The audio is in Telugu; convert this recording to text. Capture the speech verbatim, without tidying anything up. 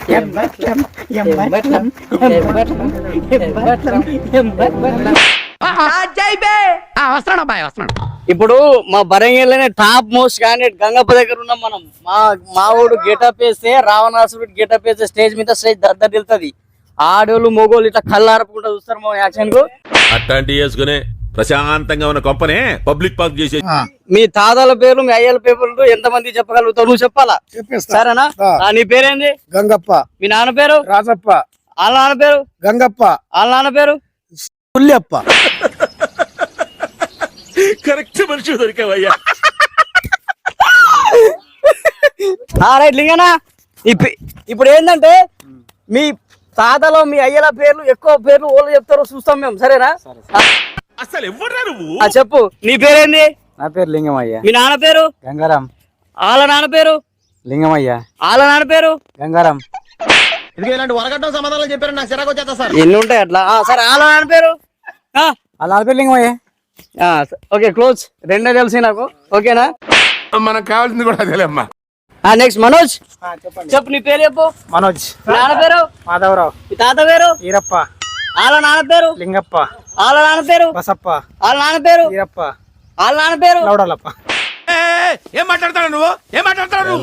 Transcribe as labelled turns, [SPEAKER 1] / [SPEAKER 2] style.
[SPEAKER 1] వస్తున్నాడు అబ్బాయి వస్తున్నాడు.
[SPEAKER 2] ఇప్పుడు మా బరంగిలోనే టాప్ మోస్ట్ క్యాండిడేట్ గంగప్ప దగ్గర ఉన్నాం మనం. మా మా ఊడు గెటప్ వేస్తే రావణాసురుడు గెటప్ వేస్తే స్టేజ్ మీద స్టేజ్ దద్దరు వెళ్తుంది. ఆడోళ్ళు మొగోళ్ళు ఇట్లా కళ్ళు ఆరపకుండా చూస్తారు మా యాక్షన్ కు.
[SPEAKER 3] అట్లాంటి వేసుకునే ప్రశాంతంగా ఉన్న కొంపనే పబ్లిక్ పార్క్ చేసే.
[SPEAKER 2] మీ తాతల పేర్లు మీ అయ్యల పేర్లు ఎంత మంది చెప్పగలుగుతావు? నువ్వు చెప్పాలా? సరేనా? నీ పేరేంది?
[SPEAKER 4] గంగప్ప.
[SPEAKER 2] మీ నాన్న పేరు?
[SPEAKER 4] రాజప్ప.
[SPEAKER 2] వాళ్ళ నాన్న పేరు?
[SPEAKER 4] గంగప్ప.
[SPEAKER 2] వాళ్ళ నాన్న పేరు?
[SPEAKER 4] పుల్లప్ప.
[SPEAKER 3] కరెక్ట్ మనిషి దొరికావయ్యా.
[SPEAKER 2] రైట్ లింగనా, ఇప్పుడు ఏంటంటే మీ తాతలో మీ అయ్యల పేర్లు ఎక్కువ పేర్లు ఓళ్ళు చెప్తారో చూస్తాం మేము. సరేనా?
[SPEAKER 3] అసలు ఎవరా నువ్వు?
[SPEAKER 2] చెప్పు. నీ పేరేంది?
[SPEAKER 4] నా పేరు లింగమయ్య.
[SPEAKER 2] మీ నాన్న పేరు?
[SPEAKER 4] గంగారాం.
[SPEAKER 2] వాళ్ళ నాన్న పేరు?
[SPEAKER 4] లింగమయ్య.
[SPEAKER 2] వాళ్ళ నాన్న పేరు?
[SPEAKER 4] గంగారాం.
[SPEAKER 5] ఇలాంటి వరగడ్డం సమాధానాలు చెప్పారు, నాకు చిరాకు వచ్చేస్తా సార్.
[SPEAKER 2] ఎన్ని ఉంటాయి అట్లా? సరే, వాళ్ళ నాన్న పేరు?
[SPEAKER 4] వాళ్ళ నాన్న పేరు లింగమయ్య.
[SPEAKER 2] Okay, close. రెండే తెలిసి నాకు. ఓకేనా?
[SPEAKER 3] మనకు కావాల్సింది కూడా అదేలేమ్మా.
[SPEAKER 2] నెక్స్ట్ మనోజ్, చెప్పు. నీ పేరు చెప్పు.
[SPEAKER 4] మనోజ్.
[SPEAKER 2] నాన్న పేరు?
[SPEAKER 4] మాధవరావు.
[SPEAKER 2] మీ తాత పేరు?
[SPEAKER 4] ఈరప్ప.
[SPEAKER 2] వాళ్ళ నాన్న పేరు?
[SPEAKER 4] లింగప్ప.
[SPEAKER 2] వాళ్ళ నాన్న పేరు?
[SPEAKER 4] బసప్ప.
[SPEAKER 2] వాళ్ళ నాన్న పేరు?
[SPEAKER 4] ఈరప్ప.
[SPEAKER 2] వాళ్ళ నాన్న పేరు?
[SPEAKER 4] లౌడలప్ప.
[SPEAKER 3] ఏం మాట్లాడతాడు నువ్వు? ఏం మాట్లాడతాడు నువ్వు?